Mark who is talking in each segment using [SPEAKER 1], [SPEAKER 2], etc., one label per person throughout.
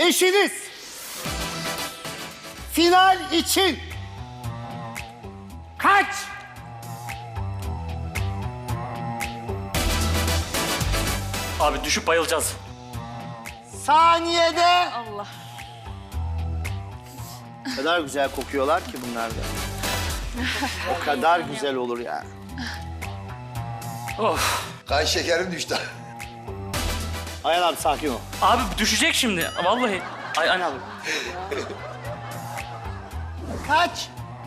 [SPEAKER 1] eşiniz final için kaç
[SPEAKER 2] Abi düşüp bayılacağız.
[SPEAKER 1] saniyede
[SPEAKER 3] Allah.
[SPEAKER 1] o kadar güzel kokuyorlar ki bunlar da. O kadar güzel olur ya.
[SPEAKER 2] Of.
[SPEAKER 4] Kan şekerim düştü.
[SPEAKER 1] Ayhan abi sakin ol.
[SPEAKER 2] Abi düşecek şimdi. Vallahi. Ay abi.
[SPEAKER 1] Kaç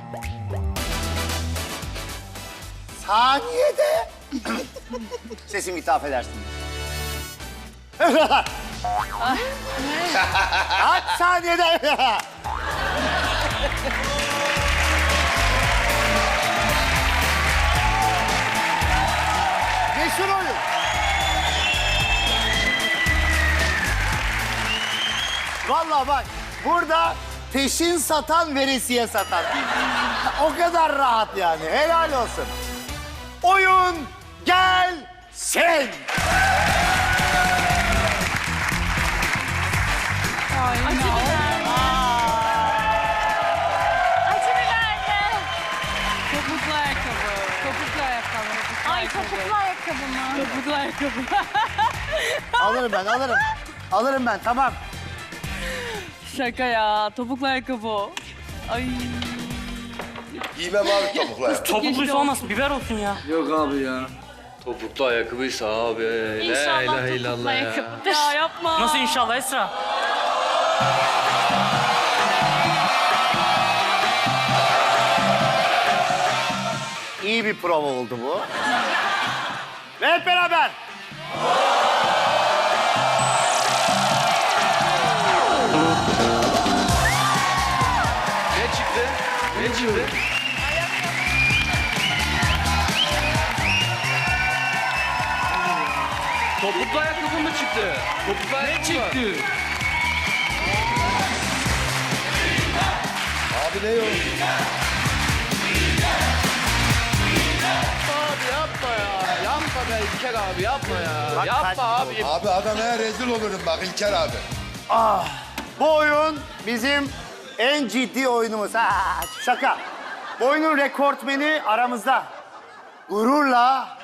[SPEAKER 1] saniyede sesim gitti affedersiniz. Kaç saniyede meşhur oyun. Vallahi bak burada peşin satan veresiye satan. O kadar rahat yani. Helal olsun. Oyun gelsin.
[SPEAKER 3] Acı biber mi? Acı biber mi?
[SPEAKER 5] Topuklu ayakkabı. Topuklu ayakkabı.
[SPEAKER 3] Ay topuklu ayakkabı mı?
[SPEAKER 5] Topuklu ayakkabı.
[SPEAKER 1] Alırım ben, alırım. Alırım ben, tamam.
[SPEAKER 5] Şaka ya. Topuklu ayakkabı o. Ay.
[SPEAKER 4] Giymem abi topukla.
[SPEAKER 2] Topukluysa olmasın. Biber olsun ya.
[SPEAKER 6] Yok abi ya. Topuklu ayakkabıysa abi.
[SPEAKER 3] İnşallah
[SPEAKER 6] La ilahe
[SPEAKER 3] topuklu
[SPEAKER 6] illallah ya.
[SPEAKER 3] ayakkabıdır.
[SPEAKER 5] Ya yapma.
[SPEAKER 2] Nasıl inşallah Esra?
[SPEAKER 1] İyi bir prova oldu bu. Ve hep beraber.
[SPEAKER 6] Ne çıktı? Ne çıktı? Topuklu ayakkabı mı çıktı? Topuklu ayakkabı ne çıktı?
[SPEAKER 4] Abi ne yok?
[SPEAKER 6] Abi yapma ya. Yapma be İlker abi yapma ya.
[SPEAKER 1] Bak,
[SPEAKER 6] yapma
[SPEAKER 1] kaç-
[SPEAKER 6] abi.
[SPEAKER 4] Abi adamaya rezil olurum bak İlker abi.
[SPEAKER 1] Bu oyun bizim en ciddi oyunumuz. Ha, şaka. Bu oyunun rekortmeni aramızda. Gururla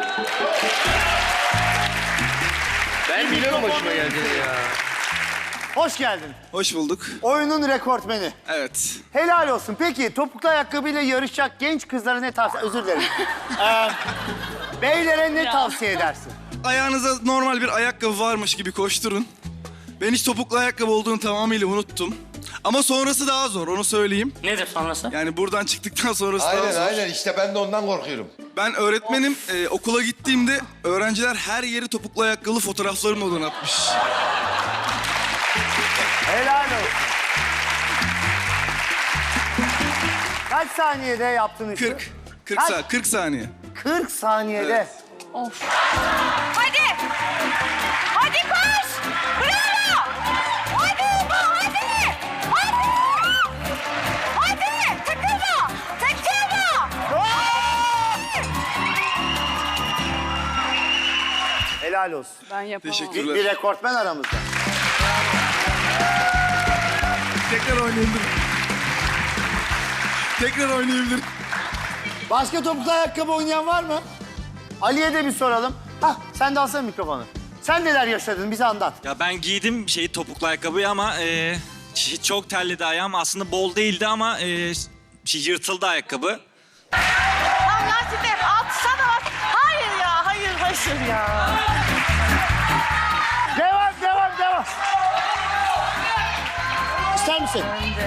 [SPEAKER 6] Ben biliyorum başıma geldiğini ya.
[SPEAKER 1] hoş geldin.
[SPEAKER 7] Hoş bulduk.
[SPEAKER 1] Oyunun rekortmeni.
[SPEAKER 7] Evet.
[SPEAKER 1] Helal olsun. Peki topuklu ayakkabıyla yarışacak genç kızlara ne tavsiye... Özür dilerim. Beylere ne tavsiye edersin?
[SPEAKER 7] Ayağınıza normal bir ayakkabı varmış gibi koşturun. Ben hiç topuklu ayakkabı olduğunu tamamıyla unuttum. Ama sonrası daha zor, onu söyleyeyim.
[SPEAKER 2] Nedir sonrası?
[SPEAKER 7] Yani buradan çıktıktan sonrası daha
[SPEAKER 4] Aynen
[SPEAKER 7] zor.
[SPEAKER 4] aynen işte ben de ondan korkuyorum.
[SPEAKER 7] Ben öğretmenim. Okula gittiğimde öğrenciler her yeri topuklu ayakkabılı fotoğraflarımla donatmış.
[SPEAKER 1] Helal olsun. Kaç saniyede yaptın işi?
[SPEAKER 7] 40
[SPEAKER 1] Kaç?
[SPEAKER 7] 40 saniye.
[SPEAKER 1] 40 saniyede.
[SPEAKER 5] Of.
[SPEAKER 3] Hadi. Hadi koş. Bravo. Hadi. Hadi. Hadi. Hadi. Takılma. Takılma.
[SPEAKER 1] Helal olsun.
[SPEAKER 5] Ben yapamam.
[SPEAKER 7] Teşekkürler.
[SPEAKER 1] Bir rekortmen aramızda.
[SPEAKER 7] Tekrar oynayabilirim. Tekrar oynayabilirim.
[SPEAKER 1] Başka topuklu ayakkabı oynayan var mı? Ali'ye de bir soralım. Hah, sen de alsana mikrofonu. Sen neler yaşadın, bize anlat.
[SPEAKER 8] Ya ben giydim topuklu ayakkabıyı ama çok terledi ayağım. Aslında bol değildi ama yırtıldı ayakkabı.
[SPEAKER 3] Allah size atsana bak. Hayır ya. Hayır ya.
[SPEAKER 1] Devam. İster misin?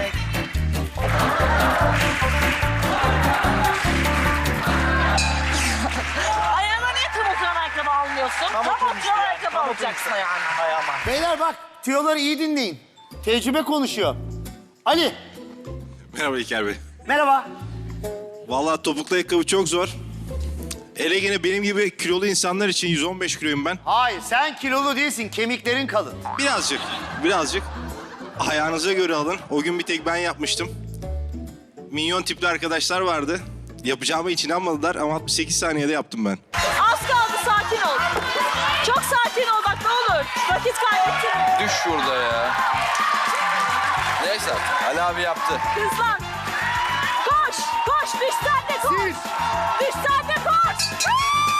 [SPEAKER 3] Ayağına niye tam oturan ayakkabı almıyorsun? Tam oturan ayakkabı alacaksın ayağına.
[SPEAKER 1] Beyler bak, tüyoları iyi dinleyin. Tecrübe konuşuyor. Ali,
[SPEAKER 7] Merhaba İlker Bey.
[SPEAKER 1] merhaba.
[SPEAKER 7] Vallahi topuklu ayakkabı çok zor. Hele gene benim gibi kilolu insanlar için 115 kiloyum ben.
[SPEAKER 1] Hayır, sen kilolu değilsin, kemiklerin kalın.
[SPEAKER 7] Birazcık. Ayağınıza göre alın. O gün bir tek ben yapmıştım. Minyon tipli arkadaşlar vardı. Yapacağıma hiç inanmadılar ama 68 saniyede yaptım ben.
[SPEAKER 3] Az kaldı, sakin ol. Çok sakin ol bak, ne olur. Vakit kaybettirme.
[SPEAKER 6] Düş şurada ya. zaten. Ali abi yaptı.
[SPEAKER 3] Hızlan. Koş. Koş. Düş sen de koş. Düş sen de koş.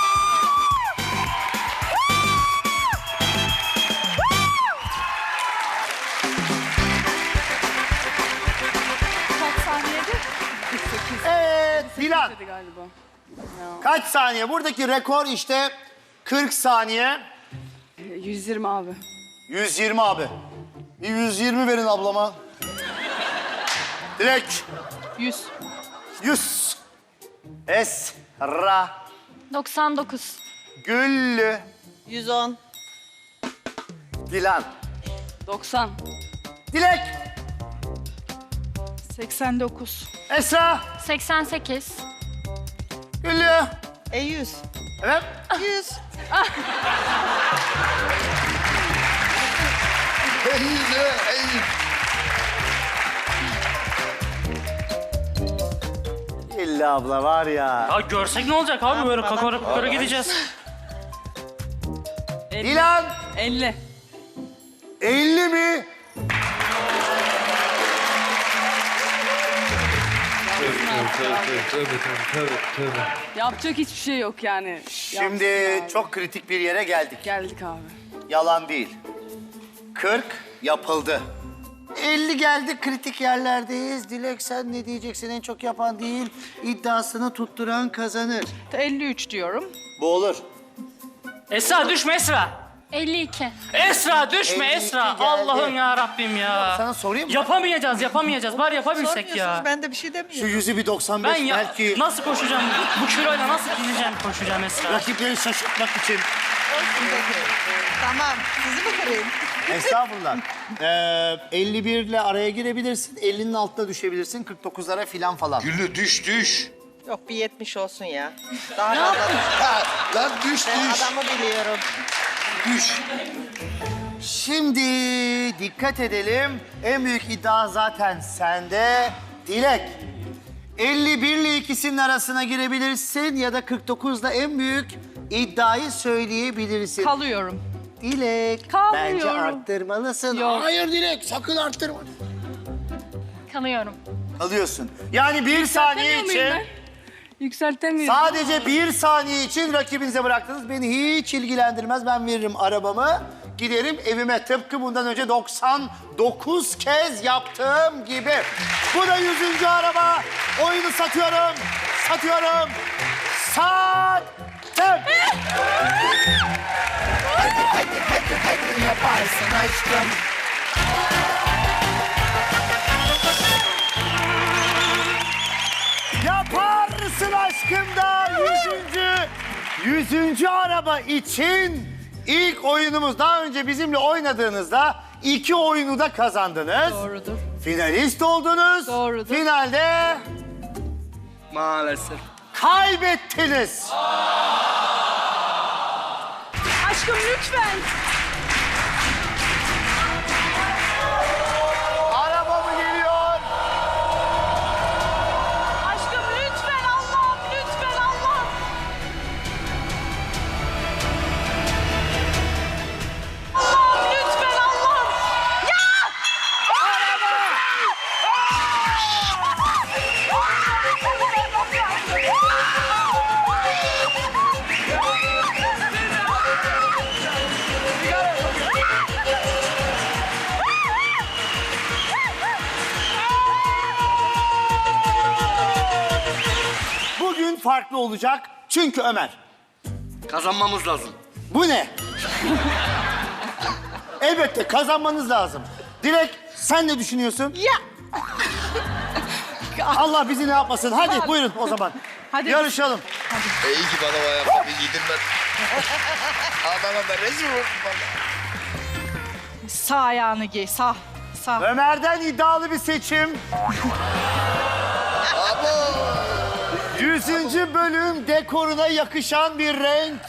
[SPEAKER 5] Kaç saniyede? 48
[SPEAKER 1] Evet Dilan.
[SPEAKER 5] dedi galiba.
[SPEAKER 1] Kaç saniye? Buradaki rekor işte 40 saniye.
[SPEAKER 5] 120 abi.
[SPEAKER 1] 120 abi. Bir 120 verin ablama. Dilek.
[SPEAKER 5] 100.
[SPEAKER 1] 100. Esra.
[SPEAKER 9] 99.
[SPEAKER 1] Güllü.
[SPEAKER 3] 110.
[SPEAKER 1] Dilan.
[SPEAKER 5] 90.
[SPEAKER 1] Dilek.
[SPEAKER 5] 89.
[SPEAKER 1] Esra.
[SPEAKER 9] 88.
[SPEAKER 1] Güllü.
[SPEAKER 3] 100.
[SPEAKER 1] Evet.
[SPEAKER 3] 100.
[SPEAKER 1] 50 abla var ya.
[SPEAKER 2] Ya görsek ne olacak abi böyle kakara kukara gideceğiz.
[SPEAKER 5] 50.
[SPEAKER 1] Dilan.
[SPEAKER 5] 50.
[SPEAKER 1] 50 mi?
[SPEAKER 5] Yapacak hiçbir şey yok yani.
[SPEAKER 1] Şimdi
[SPEAKER 5] Yapsın abi.
[SPEAKER 1] çok kritik bir yere geldik.
[SPEAKER 5] Geldik abi.
[SPEAKER 1] Yalan değil. 40 yapıldı. 50 geldi, kritik yerlerdeyiz. Dilek sen ne diyeceksin? En çok yapan değil, iddiasını tutturan kazanır.
[SPEAKER 5] 53 diyorum.
[SPEAKER 1] Bu olur.
[SPEAKER 2] Esra düşme Esra.
[SPEAKER 9] 52.
[SPEAKER 2] Esra düşme
[SPEAKER 1] 52
[SPEAKER 2] Esra.
[SPEAKER 1] geldi.
[SPEAKER 2] Allah'ım ya Rabbim ya.
[SPEAKER 1] Sana sorayım mı?
[SPEAKER 2] Yapamayacağız. Bari yapabilsek ya.
[SPEAKER 3] Ben de bir şey
[SPEAKER 1] Şu
[SPEAKER 3] demiyorum.
[SPEAKER 1] yüzü bir 95
[SPEAKER 2] Ben ya
[SPEAKER 1] belki
[SPEAKER 2] nasıl koşacağım? Bu kiloyla nasıl gideceğim koşacağım Esra?
[SPEAKER 1] rakipleri şaşırtmak için.
[SPEAKER 3] Tamam. Sizi mi kırayım?
[SPEAKER 1] Estağfurullah. 51 ile araya girebilirsin. 50'nin altına düşebilirsin. 49'lara filan falan.
[SPEAKER 4] Güllü düş.
[SPEAKER 3] Yok bir 70 olsun ya. Daha fazla.
[SPEAKER 4] Ha, lan düş.
[SPEAKER 3] Ben adamı biliyorum.
[SPEAKER 4] Düş.
[SPEAKER 1] Şimdi dikkat edelim. En büyük iddia zaten sende. Dilek. 51 ile ikisinin arasına girebilirsin ya da 49'da en büyük iddiayı söyleyebilirsin.
[SPEAKER 5] Kalıyorum.
[SPEAKER 1] Dilek.
[SPEAKER 5] Kalmıyorum.
[SPEAKER 1] Bence arttırmalısın.
[SPEAKER 5] Yok.
[SPEAKER 1] Hayır Dilek sakın arttırma.
[SPEAKER 9] Kalıyorum.
[SPEAKER 1] Alıyorsun. Yani bir saniye
[SPEAKER 5] Yükseltemiyor muyum
[SPEAKER 1] için...
[SPEAKER 5] ben? Yükseltemiyorum.
[SPEAKER 1] Sadece bir saniye için rakibinize bıraktınız. Beni hiç ilgilendirmez. Ben veririm arabamı. Giderim evime. Tıpkı bundan önce 99 kez yaptığım gibi. Bu da 100. araba. Oyunu satıyorum. Sattım. Yaparsın aşkım. Yaparsın aşkım da 100. araba için ilk oyunumuz. Daha önce bizimle oynadığınızda 2 oyunu da kazandınız.
[SPEAKER 5] Doğrudur.
[SPEAKER 1] Finalist oldunuz.
[SPEAKER 5] Doğrudur.
[SPEAKER 1] Finalde
[SPEAKER 6] Maalesef.
[SPEAKER 1] kaybettiniz.
[SPEAKER 5] Aşkım lütfen.
[SPEAKER 1] Araba mı geliyor?
[SPEAKER 3] Aşkım lütfen Allah'ım. Lütfen Allah'ım. Allah'ım lütfen Allah'ım. Ya!
[SPEAKER 1] Bugün farklı olacak çünkü Ömer.
[SPEAKER 6] Kazanmamız lazım.
[SPEAKER 1] Bu ne? Elbette kazanmanız lazım. Dilek sen ne düşünüyorsun?
[SPEAKER 3] Ya!
[SPEAKER 1] Allah bizi ne yapmasın. Hadi buyurun o zaman.
[SPEAKER 5] Hadi.
[SPEAKER 1] Yarışalım.
[SPEAKER 4] İyi ki bana o ayakkabıyı giydim ben. Adama ben rezil oldum valla.
[SPEAKER 3] Sağ ayağını giy. Sağ. Sağ.
[SPEAKER 1] Ömer'den iddialı bir seçim. 100. bölüm dekoruna yakışan bir renk.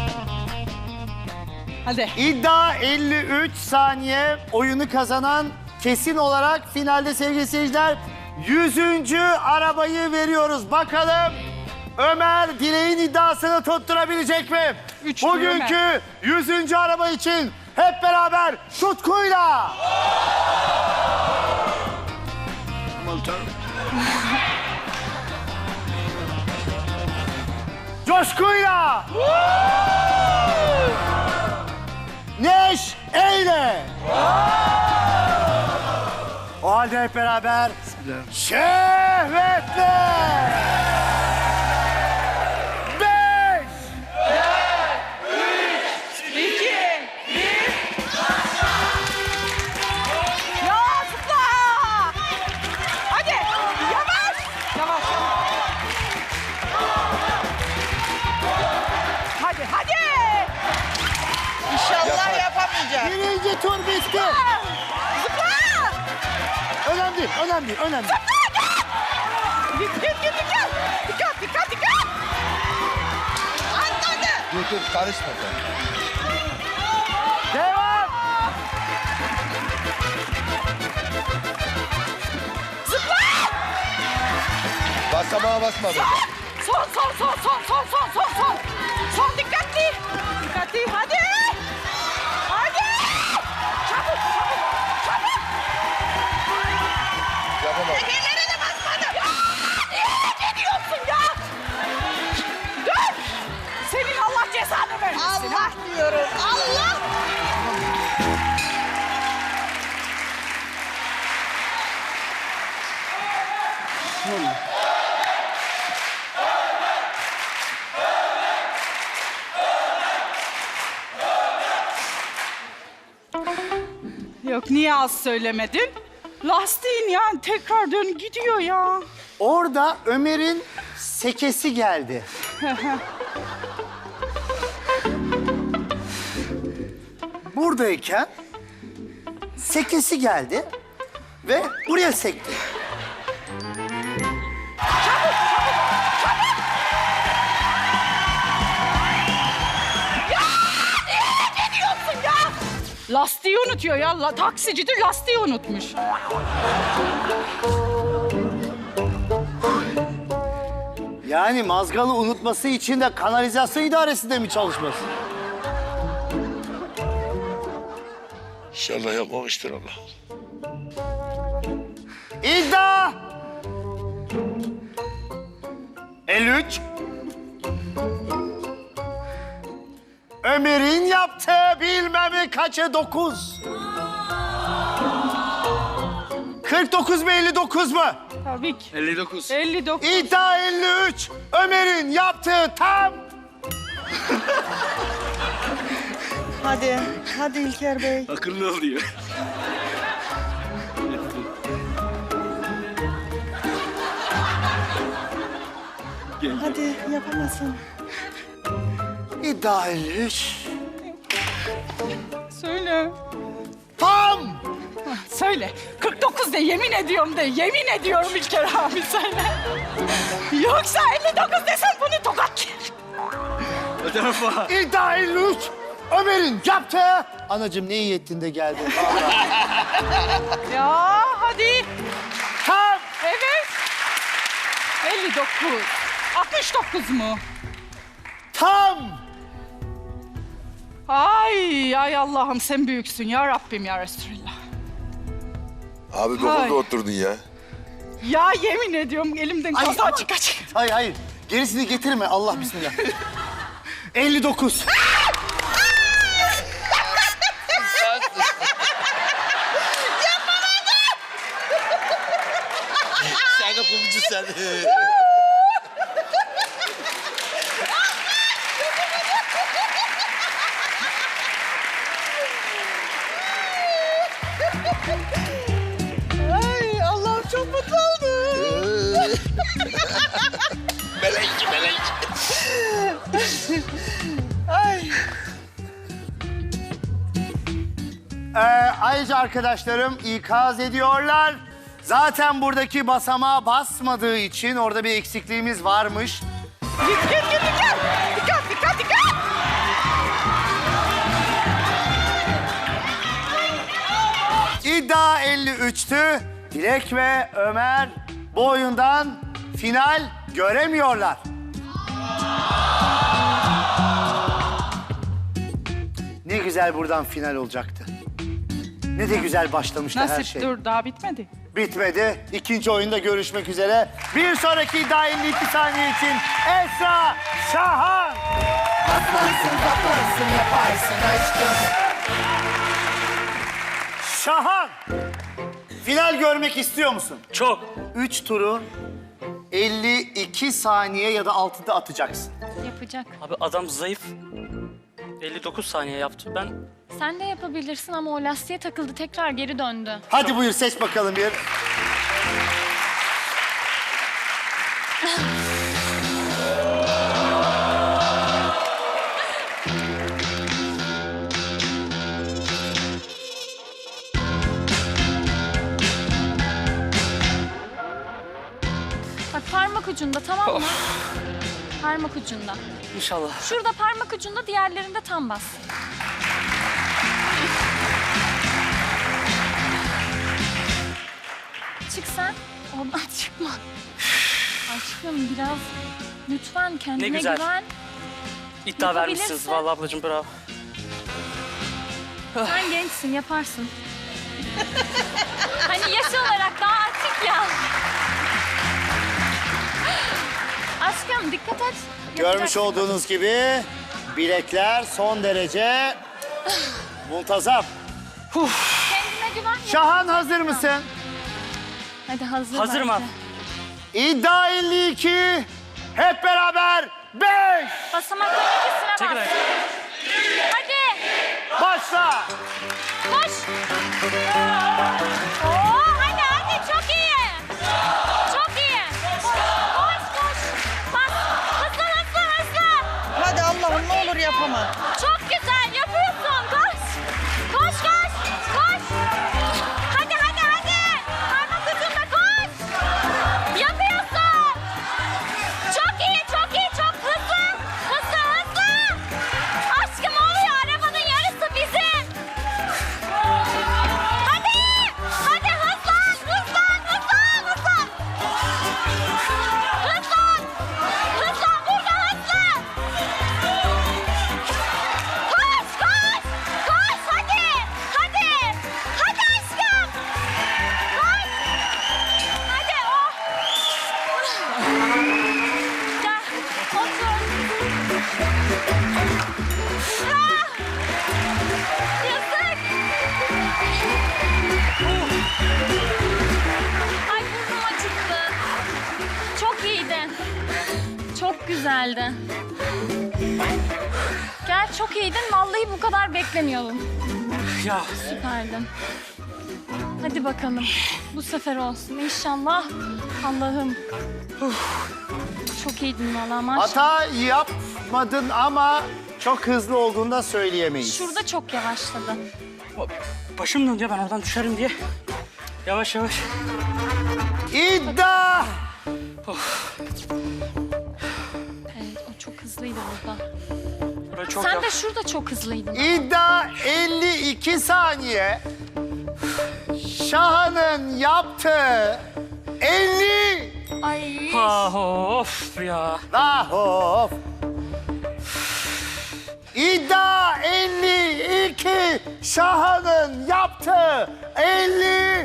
[SPEAKER 5] Hadi.
[SPEAKER 1] İddia 53 saniye. Oyunu kazanan kesin olarak finalde sevgili seyirciler 100. arabayı veriyoruz. Bakalım Ömer Dilek'in iddiasını tutturabilecek mi?
[SPEAKER 5] Üç
[SPEAKER 1] Bugünkü 100. araba için hep beraber tutkuyla. Coşkuyla. Neşeyle. O halde hep beraber şehvetle. 5,
[SPEAKER 3] 2, 1. Ya zıpla! Hadi yavaş! Yavaş. Hadi hadi! İnşallah yapamayacak.
[SPEAKER 1] birinci tur bitti.
[SPEAKER 3] Zıpla!
[SPEAKER 1] Önemli değil, önemli değil, önemli değil.
[SPEAKER 3] Dikkat! Dikkat! Anladı!
[SPEAKER 4] Dur karışma sen.
[SPEAKER 1] Devam.
[SPEAKER 4] Basamağa basma be.
[SPEAKER 3] Son! Son dikkatli! Hadi! Çabuk!
[SPEAKER 4] Yapamam.
[SPEAKER 3] Tekerlere de basmadım. Ya! Ne diyorsun ya? Dur! Senin Allah cezanı vermesin. Allah diyorum. Allah!
[SPEAKER 5] Yok niye az söylemedin? Lastiğin yani tekrar dön gidiyor ya.
[SPEAKER 1] Orada Ömer'in sekesi geldi. Buradayken sekesi geldi ve buraya sekti.
[SPEAKER 3] Ne diyorsun ya?
[SPEAKER 5] Lastiği unutuyor ya. Taksicidir lastiği unutmuş.
[SPEAKER 1] Yani mazgalı unutması için de kanalizasyon idaresinde mi çalışması?
[SPEAKER 4] İnşallah yapmamıştır Allah.
[SPEAKER 1] İddia 53. Ömer'in yaptığı bilmemi kaçı 9. 49 mu 59 mu?
[SPEAKER 5] Tabii ki.
[SPEAKER 6] 59.
[SPEAKER 5] 59.
[SPEAKER 1] İddia 53. Ömer'in yaptığı tam.
[SPEAKER 3] Hadi İlker Bey.
[SPEAKER 6] Akıllı oluyor.
[SPEAKER 3] Hadi yapamazsın.
[SPEAKER 1] İddia 53.
[SPEAKER 5] Söyle.
[SPEAKER 1] Tam.
[SPEAKER 5] Söyle. 49 de yemin ediyorum de. Yemin ediyorum İlker abi söyle. Yoksa 59 desem bunu tokat.
[SPEAKER 6] O tarafa.
[SPEAKER 1] İddia 53. Ömer'in yaptığı. Anacığım ne iyi ettin de geldin.
[SPEAKER 5] Ya hadi.
[SPEAKER 1] Tam.
[SPEAKER 5] Evet. 59. 69 mu?
[SPEAKER 1] Tam.
[SPEAKER 5] Ay Allah'ım sen büyüksün ya Rabbim ya Resulallah.
[SPEAKER 4] Abi
[SPEAKER 5] Hay.
[SPEAKER 4] 9'da oturdun ya.
[SPEAKER 5] Ya yemin ediyorum elimden
[SPEAKER 1] Ay,
[SPEAKER 5] kaza
[SPEAKER 1] ama-
[SPEAKER 5] çıkacak.
[SPEAKER 1] Hayır. Gerisini getirme. Allah bismillah. 59.
[SPEAKER 4] Sen kapımcı sen.
[SPEAKER 3] Ay Allah'ım çok mutlu oldum.
[SPEAKER 4] Melek.
[SPEAKER 3] Ay.
[SPEAKER 1] Ayrıca arkadaşlarım ikaz ediyorlar. Zaten buradaki basamağa basmadığı için orada bir eksikliğimiz varmış.
[SPEAKER 3] Dikkat.
[SPEAKER 1] İddia 53'tü. Dilek ve Ömer bu oyundan final göremiyorlar. Ne güzel buradan final olacaktı. Ne de güzel başlamıştı her
[SPEAKER 5] Nasip
[SPEAKER 1] şey.
[SPEAKER 5] dur daha bitmedi.
[SPEAKER 1] Bitmedi. İkinci oyunda görüşmek üzere. Bir sonraki iddia 52 saniye için Esra Şahan. Şahan. Final görmek istiyor musun?
[SPEAKER 2] Çok.
[SPEAKER 1] 3 turu 52 saniye ya da altında atacaksın.
[SPEAKER 9] Yapacak.
[SPEAKER 2] Abi adam zayıf. 59 saniye yaptı. Ben
[SPEAKER 9] Sen de yapabilirsin ama o lastiğe takıldı tekrar geri döndü.
[SPEAKER 1] Hadi buyur seç bakalım bir.
[SPEAKER 9] Bak parmak ucunda tamam mı? Parmak ucunda.
[SPEAKER 2] inşallah.
[SPEAKER 9] Şurada parmak ucunda diğerlerinde tam bas. Çık sen. Oradan çıkma. Aşkım biraz lütfen kendine
[SPEAKER 2] Ne güzel.
[SPEAKER 9] güven.
[SPEAKER 2] İddia vermişsiniz
[SPEAKER 9] Yapabilirsin.
[SPEAKER 2] vallahi ablacığım bravo.
[SPEAKER 9] Sen gençsin yaparsın. Hani yaş olarak daha açık ya. Aşkım dikkat et.
[SPEAKER 1] Görmüş
[SPEAKER 9] Yapacaksın.
[SPEAKER 1] olduğunuz gibi bilekler son derece muntazam.
[SPEAKER 9] Kendine güven.
[SPEAKER 1] Şahan hazır mısın?
[SPEAKER 9] Hadi hazır.
[SPEAKER 2] Hazırım
[SPEAKER 9] bence.
[SPEAKER 2] abi.
[SPEAKER 1] İddia 52. Hep beraber 5.
[SPEAKER 9] Basamakların ikisine
[SPEAKER 2] Çekil
[SPEAKER 9] bas.
[SPEAKER 2] ayağa.
[SPEAKER 9] Hadi.
[SPEAKER 1] Başla.
[SPEAKER 9] Koş. Oo, hadi çok iyi. Çok iyi. Koş koş. Bas. Hızlı.
[SPEAKER 3] Hadi Allah'ım ne olur yapamam.
[SPEAKER 9] Çok güzel yapıyorsun. Koş. Koş. Hadi. Parmak ucunda koş. Yapıyorsun. Çok iyi. Çok hızlı. Aşkım oluyor. Arabanın yarısı bizim. Hadi hızlan. Hızlan burada hızlan. Koş hadi. Hadi aşkım. Koş. Hadi oh. Gel otur. Ah, yazık. Ay burnum acıktı. Çok iyiydin. Çok güzeldi. Gel çok iyiydin. Vallahi bu kadar beklemiyordum.
[SPEAKER 2] Ya
[SPEAKER 9] Süperdin. Hadi bakalım. Bu sefer olsun inşallah. Allah'ım. Çok iyiydin vallahi maşallah.
[SPEAKER 1] Hata yapmadın ama çok hızlı olduğunu da söyleyemeyiz.
[SPEAKER 9] Şurada çok yavaşladı.
[SPEAKER 2] başım dönüyor ben oradan düşerim diye. Yavaş.
[SPEAKER 1] İddia
[SPEAKER 9] Evet o çok hızlıydı burada.
[SPEAKER 2] Buraya çok
[SPEAKER 9] Sen
[SPEAKER 2] yavaş.
[SPEAKER 9] de şurada çok hızlıydın.
[SPEAKER 1] İddia 52 saniye. Şahan'ın yaptığı 50.
[SPEAKER 9] Ay.
[SPEAKER 2] Of ya.
[SPEAKER 1] Lah of. İddia 52. Şahan'ın yaptığı 50.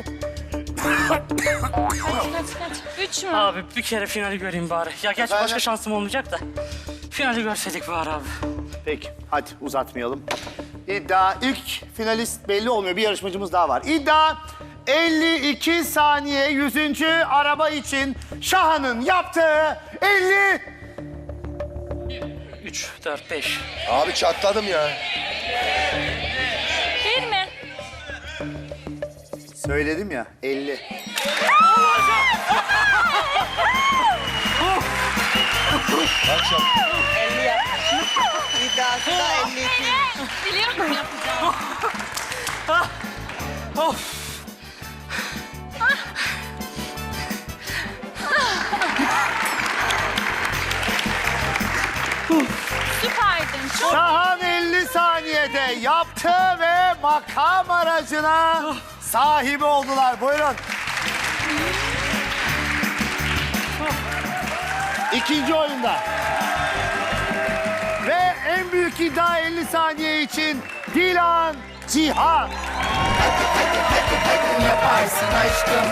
[SPEAKER 9] Kaç. 3 mü?
[SPEAKER 2] Abi bir kere finali göreyim bari. Ya gerçi
[SPEAKER 1] Ben de-
[SPEAKER 2] başka şansım olmayacak da. Finali görseydik bari abi.
[SPEAKER 1] Peki hadi uzatmayalım. İddia ilk finalist belli olmuyor. Bir yarışmacımız daha var. İddia 52 saniye 100. araba için Şahan'ın yaptığı 50.
[SPEAKER 2] 3, 4, 5.
[SPEAKER 4] Abi çatladım ya.
[SPEAKER 9] 1 mi?
[SPEAKER 1] Söyledim ya 50.
[SPEAKER 4] Akşam.
[SPEAKER 3] 50 yapmış. İddiası da 52.
[SPEAKER 9] Biliyorum yapacağım.
[SPEAKER 2] Of.
[SPEAKER 9] Süperdin. Çok
[SPEAKER 1] Şahan 50 saniyede yaptı ve makam aracına sahibi oldular. Buyurun. İkinci oyunda. Ve en büyük iddia 50 saniye için Dilan Cihan.
[SPEAKER 3] Yaparsın aşkım.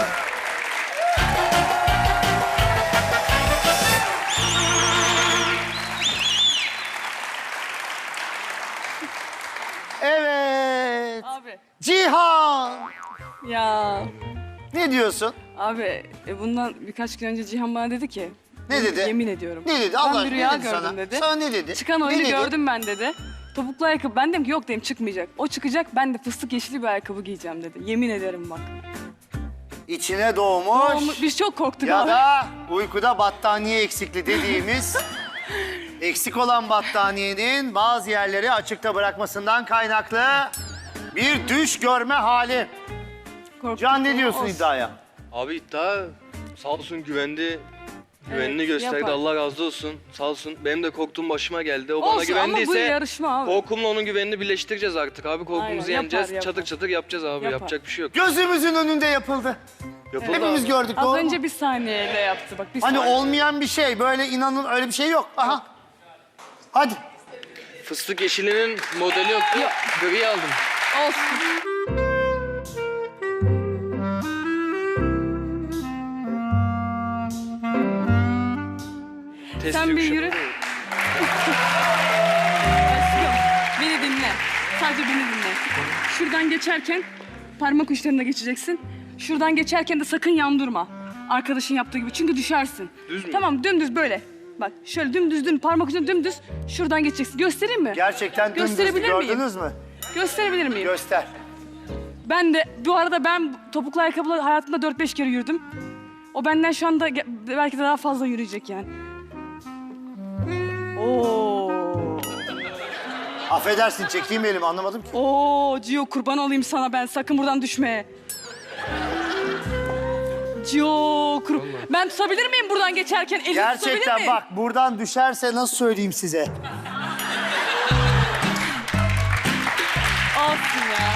[SPEAKER 1] Evet.
[SPEAKER 5] Abi.
[SPEAKER 1] Cihan.
[SPEAKER 5] Ya
[SPEAKER 1] Ne diyorsun?
[SPEAKER 5] abi bundan birkaç gün önce Cihan bana dedi ki.
[SPEAKER 1] Ne dedi?
[SPEAKER 5] Yemin ediyorum.
[SPEAKER 1] Ne dedi? Allah
[SPEAKER 5] Ben bir
[SPEAKER 1] aşkına,
[SPEAKER 5] rüya
[SPEAKER 1] ne dedi
[SPEAKER 5] gördüm
[SPEAKER 1] sana?
[SPEAKER 5] dedi.
[SPEAKER 1] Sana ne dedi?
[SPEAKER 5] Çıkan
[SPEAKER 1] Ne
[SPEAKER 5] oyunu
[SPEAKER 1] dedi?
[SPEAKER 5] gördüm ben dedi. Topuklu ayakkabı. Ben dedim ki yok dedim çıkmayacak. O çıkacak ben de fıstık yeşili bir ayakkabı giyeceğim dedi. Yemin ederim bak.
[SPEAKER 1] İçine doğmuş.
[SPEAKER 5] Biz çok korktuk
[SPEAKER 1] Ya
[SPEAKER 5] abi.
[SPEAKER 1] da uykuda battaniye eksikliği dediğimiz eksik olan battaniyenin bazı yerleri açıkta bırakmasından kaynaklı bir düş görme hali.
[SPEAKER 5] Korktuk
[SPEAKER 1] Can ne
[SPEAKER 5] ama
[SPEAKER 1] diyorsun
[SPEAKER 5] olsun.
[SPEAKER 1] iddiaya?
[SPEAKER 6] Abi iddia sağ olsun güvendi. Güvenini
[SPEAKER 5] Evet,
[SPEAKER 6] gösterdi.
[SPEAKER 5] yapar.
[SPEAKER 6] Allah razı olsun. Sağ olsun. Benim de korktuğum başıma geldi. O bana
[SPEAKER 5] Olsun ama bu
[SPEAKER 6] güvendiyse
[SPEAKER 5] yarışma abi.
[SPEAKER 6] korkumla onun güvenini birleştireceğiz artık abi. Korkumuzu
[SPEAKER 5] Aynen,
[SPEAKER 6] yeneceğiz.
[SPEAKER 5] yapar.
[SPEAKER 6] Çatır çatır yapacağız abi.
[SPEAKER 5] Yapar.
[SPEAKER 6] Yapacak bir şey yok.
[SPEAKER 1] Gözümüzün önünde yapıldı.
[SPEAKER 6] Yapıldı
[SPEAKER 1] Hepimiz
[SPEAKER 6] abi.
[SPEAKER 1] gördük,
[SPEAKER 5] Az
[SPEAKER 1] doğru mu?
[SPEAKER 5] önce bir saniyeyle yaptı bak. Bir
[SPEAKER 1] Hani
[SPEAKER 5] saniye.
[SPEAKER 1] olmayan bir şey, böyle inanın öyle bir şey yok. Aha. Hadi.
[SPEAKER 6] Fıstık yeşilinin modeli yoktu. Gri aldım.
[SPEAKER 5] Olsun.
[SPEAKER 6] Test
[SPEAKER 5] Sen bir
[SPEAKER 6] yumuşak
[SPEAKER 5] yürü.
[SPEAKER 6] oluyor.
[SPEAKER 5] Aşkım beni dinle. Sadece beni dinle. Şuradan geçerken parmak uçlarına geçeceksin. Şuradan geçerken de sakın yan durma. Arkadaşın yaptığı gibi çünkü düşersin.
[SPEAKER 6] Düz mü?
[SPEAKER 5] Tamam dümdüz böyle. Bak şöyle dümdüz parmak ucuna dümdüz. Şuradan geçeceksin. Göstereyim mi?
[SPEAKER 1] Gerçekten dümdüz
[SPEAKER 5] Gösterebilir miyim?
[SPEAKER 1] gördünüz mü?
[SPEAKER 5] Gösterebilir miyim?
[SPEAKER 1] Göster.
[SPEAKER 5] Ben de bu arada ben topuklu ayakkabıla hayatımda 4-5 kere yürüdüm. O benden şu anda belki de daha fazla yürüyecek yani. Oo.
[SPEAKER 1] Affedersin, çekeyim elimi, anlamadım ki.
[SPEAKER 5] Oo Cio kurban olayım sana ben sakın buradan düşme. Cio ben tutabilir miyim buradan geçerken? Elini tutabilir
[SPEAKER 1] Gerçekten
[SPEAKER 5] miyim?
[SPEAKER 1] bak, buradan düşerse nasıl söyleyeyim size?
[SPEAKER 5] Olsun ya.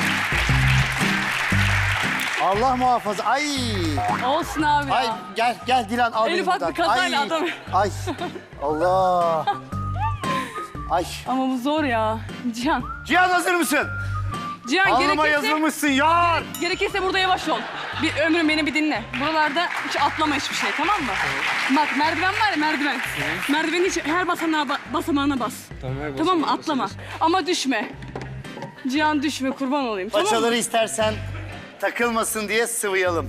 [SPEAKER 1] Allah muhafaza. Ay.
[SPEAKER 5] Olsun abi ya.
[SPEAKER 1] Ay gel Dilan, al
[SPEAKER 5] En
[SPEAKER 1] beni
[SPEAKER 5] ufak
[SPEAKER 1] buradan.
[SPEAKER 5] bir kazayla
[SPEAKER 1] Ay.
[SPEAKER 5] adam-
[SPEAKER 1] Ay. Allah. Ay.
[SPEAKER 5] Ama bu zor ya. Cihan.
[SPEAKER 1] Cihan, hazır mısın?
[SPEAKER 5] Cihan
[SPEAKER 1] Alnıma
[SPEAKER 5] gerekirse,
[SPEAKER 1] yazılmışsın yar.
[SPEAKER 5] gerekirse burada yavaş ol. Bir ömrüm beni bir dinle. Buralarda hiç atlama hiçbir şey tamam mı? Bak merdiven var ya merdiven. Merdiveni hiç her basamağına bas. Tamam mı? Atlama. Ama düşme. Cihan düşme kurban olayım. Tamam mı?
[SPEAKER 1] Paçaları istersen takılmasın diye sıvayalım.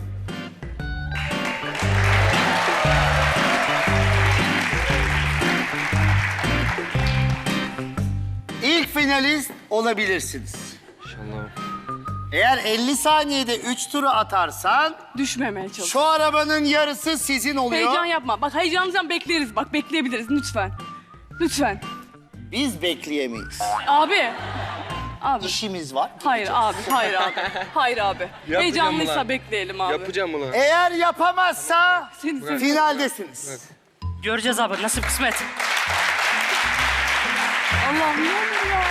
[SPEAKER 1] İlk finalist olabilirsiniz.
[SPEAKER 6] İnşallah.
[SPEAKER 1] Eğer 50 saniyede 3 turu atarsan
[SPEAKER 5] Düşmemeye çalış.
[SPEAKER 1] şu arabanın yarısı sizin oluyor.
[SPEAKER 5] Heyecan yapma. Bak heyecanımızdan bekleriz. Bak bekleyebiliriz lütfen. Lütfen.
[SPEAKER 1] Biz bekleyemeyiz.
[SPEAKER 5] Abi. Abi.
[SPEAKER 1] İşimiz var.
[SPEAKER 5] Hayır abi, hayır abi. Hayır abi. Heyecanlıysa
[SPEAKER 6] ulan.
[SPEAKER 5] bekleyelim abi.
[SPEAKER 6] Yapacağım bunu.
[SPEAKER 1] Eğer yapamazsa
[SPEAKER 5] Seni seviyorum.
[SPEAKER 1] finaldesiniz.
[SPEAKER 2] Göreceğiz abi nasip kısmet.
[SPEAKER 5] Allah'ım ne olur ya.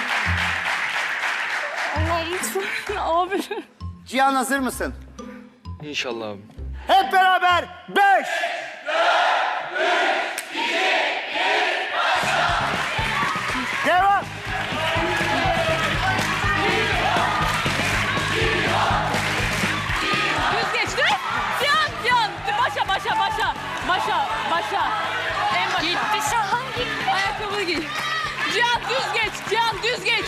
[SPEAKER 5] Allah'ım lütfen. Abi.
[SPEAKER 1] Cihan, hazır mısın?
[SPEAKER 6] İnşallah abi.
[SPEAKER 1] Hep beraber 5. Devam.
[SPEAKER 5] Düz geçti. Cihan. Başa. En başa.
[SPEAKER 9] Gitti Şahan gitti.
[SPEAKER 5] Ayakkabını giy. Cihan düz geç.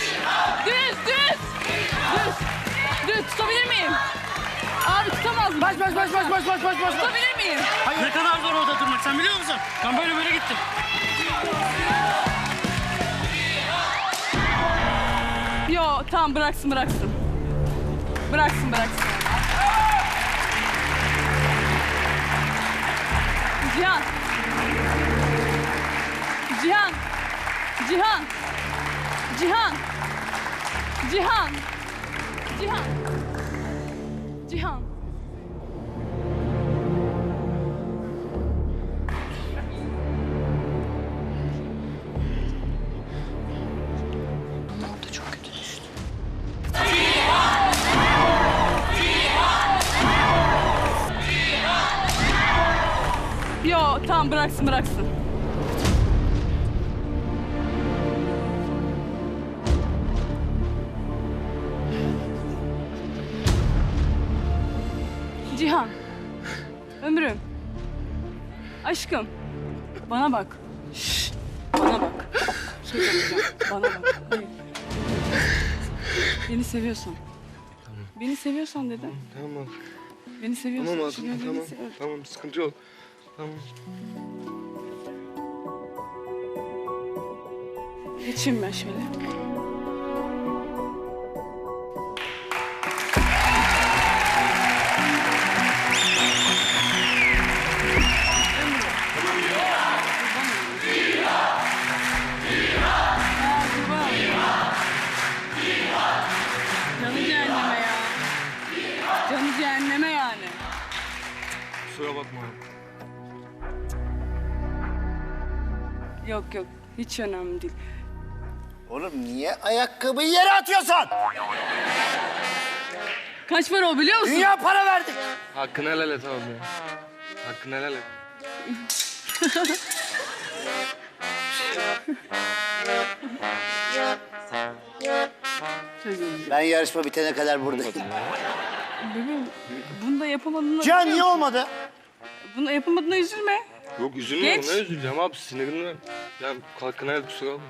[SPEAKER 5] Düz. Tutabilir miyim? Abi tutamaz mı?
[SPEAKER 1] Baş.
[SPEAKER 5] Tutabilir miyim?
[SPEAKER 2] Ne kadar zor orada durmak sen biliyor musun? Ben böyle gittim.
[SPEAKER 5] Yo tamam bıraksın. Bıraksın. Cihan. Tamam bıraksın bıraksın. Cihan. Ömrüm. Aşkım. Bana bak. Şşş. Bana bak. Şey yapacağım. Bana bak. Hayır. Beni seviyorsan.
[SPEAKER 6] Tamam.
[SPEAKER 5] Beni seviyorsan dedim.
[SPEAKER 6] Tamam.
[SPEAKER 5] Beni seviyorsan.
[SPEAKER 6] Tamam
[SPEAKER 5] Şimdi
[SPEAKER 6] hayatım,
[SPEAKER 5] beni
[SPEAKER 6] tamam.
[SPEAKER 5] seviyorsan.
[SPEAKER 6] Tamam, sıkıntı yok. Tamam.
[SPEAKER 5] Geçeyim ben şöyle. Canı cehenneme ya. Canı cehenneme yani.
[SPEAKER 6] Kusura bakma.
[SPEAKER 5] Yok yok hiç önemli değil.
[SPEAKER 1] Oğlum niye ayakkabıyı yere atıyorsun?
[SPEAKER 5] Kaç para o biliyor musun?
[SPEAKER 1] Dünya para verdik.
[SPEAKER 6] Hakkını helal et abi ya. Hakkını helal et.
[SPEAKER 1] Ben yarışma bitene kadar buradayım.
[SPEAKER 5] Bebeğim bunu da yapamadığına...
[SPEAKER 1] Cihan niye olmadı?
[SPEAKER 5] Bunu yapamadığına üzülme.
[SPEAKER 6] Yok üzülme,
[SPEAKER 5] Geç.
[SPEAKER 6] ne üzüleceğim abi, sinirimden. Yani hakkını helal et, kusura bakma.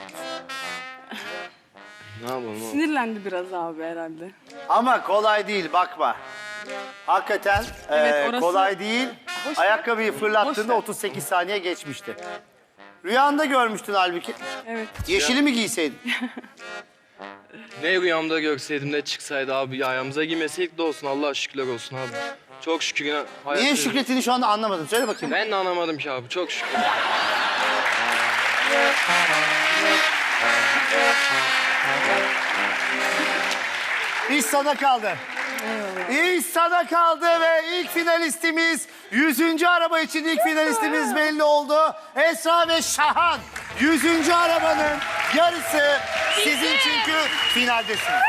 [SPEAKER 6] Ne yapalım abi?
[SPEAKER 5] Sinirlendi biraz abi herhalde.
[SPEAKER 1] Ama kolay değil bakma. Hakikaten
[SPEAKER 5] Evet, orası-
[SPEAKER 1] kolay değil.
[SPEAKER 5] Boş ver.
[SPEAKER 1] Ayakkabıyı fırlattığında
[SPEAKER 5] ver.
[SPEAKER 1] 38 saniye geçmişti. Rüyanda görmüştün halbuki.
[SPEAKER 5] Evet.
[SPEAKER 1] Yeşili mi giyseydin?
[SPEAKER 6] Ne rüyamda görseydim ne çıksaydı abi, ayağımıza giymeseydik de olsun, Allah'a şükürler olsun abi. Çok şükür yine hayat...
[SPEAKER 1] Niye şükrettiğini şu anda anlamadım. Söyle bakayım.
[SPEAKER 6] Ben de anlamadım ki abi, çok şükür.
[SPEAKER 1] İş sana kaldı. İş sana kaldı ve ilk finalistimiz 100. araba için ilk finalistimiz belli oldu. Esra ve Şahan 100. arabanın yarısı sizin çünkü finaldesiniz.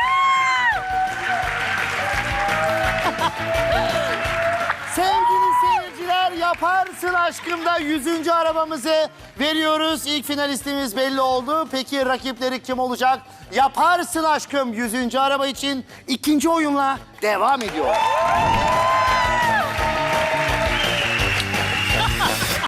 [SPEAKER 1] Sevgili seyirciler, Yaparsın Aşkım'da 100. arabamızı veriyoruz. İlk finalistimiz belli oldu. Peki rakipleri kim olacak? Yaparsın Aşkım 100. araba için ikinci oyunla devam ediyor.